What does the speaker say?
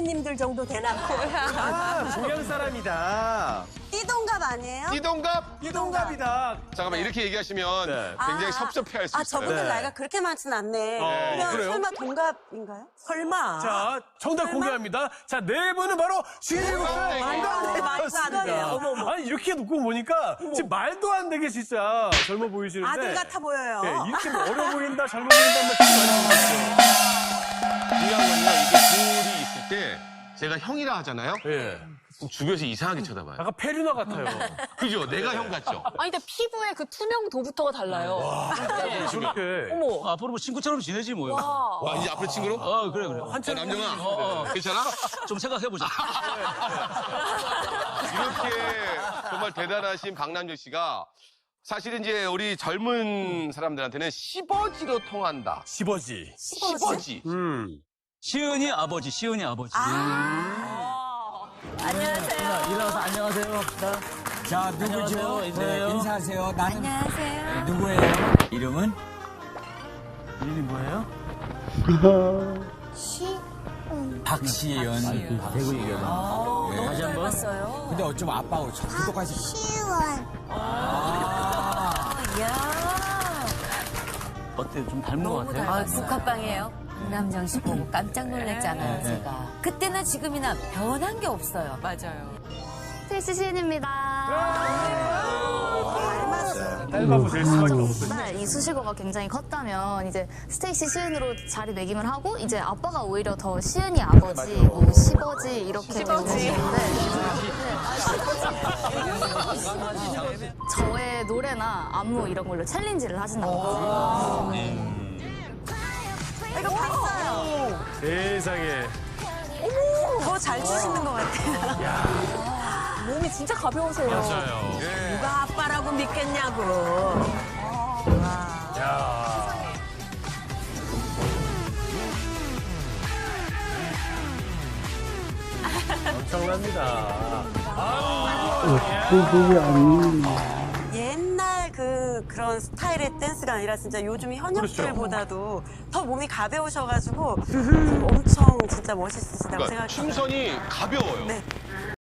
선배님들 정도 되나 봐요. 동양 사람이다. 띠동갑 아니에요? 띠동갑? 띠동갑이다. 잠깐만 이렇게 얘기하시면 네. 굉장히 섭섭해할 수 있어요. 저분들 네. 나이가 그렇게 많진 않네. 그러면 그래요? 설마 동갑인가요? 설마. 자, 정답 공개합니다. 자, 네 분은 바로 17살. 말도 안 돼, 말도 안 돼. 어머머. 아니, 이렇게 놓고 보니까 지금 말도 안 되게 진짜 젊어 보이시는데. 아들 같아 보여요. 네, 이렇게 뭐 어려 보인다, 젊어 보인다는 말 되게 많이 들었어요. 중요한 건요, 이게 둘이 있을 때 제가 형이라 하잖아요. 예. 그럼 주변에서 이상하게 쳐다봐요. 약간 페류나 같아요. 그죠? 내가 형 같죠? 아니, 근데 피부의 그 투명도부터가 달라요. 네. 저렇게. 어머. 앞으로 뭐 친구처럼 지내지 뭐요. 와. 와, 이제 앞으로 친구로? 그래 그래. 남정아, 괜찮아? 좀 생각해보자. 이렇게 정말 대단하신 박남정 씨가 사실은 이제 우리 젊은 사람들한테는 시버지로 통한다. 시버지. 시버지. 시은이 아버지, 시은이 아버지. 안녕하세요. 일어나서 안녕하세요 합시다. 자, 누구죠? 네, 인사하세요. 나는 안녕하세요. 누구예요? 이름은? 이름이 뭐예요? 박시연. 대구 얘기하다. 너무 다시 한 번. 닮았어요. 근데 어쩜 아빠하고 똑같이. 이야. 어때? 좀 닮은 것 같아요? 국화빵이에요. 박남정 씨 보고 깜짝 놀랐잖아요, 제가. 그때나 지금이나 변한 게 없어요. 맞아요. 트위스 시은입니다. 딸바보 될 수밖에 없어요. 정말 이 수식어가 굉장히 컸다면 이제 스테이시 시은으로 자리매김을 하고 이제 아빠가 오히려 더 시은이 아버지, 뭐 시버지 이렇게 되시는데 저의 노래나 안무 이런 걸로 챌린지를 하신다는 거죠. 이거 봤어요. 세상에. 더 잘 추시는 것 같아요. 몸이 진짜 가벼우세요. 맞아요. 누가 아빠라고 믿겠냐고. 야. 엄청납니다. 옛날 그런 스타일의 댄스가 아니라 진짜 요즘 현역들보다도 더 몸이 가벼우셔가지고 엄청 진짜 멋있으시다고 그러니까 생각해요. 춤선이 가벼워요. 네.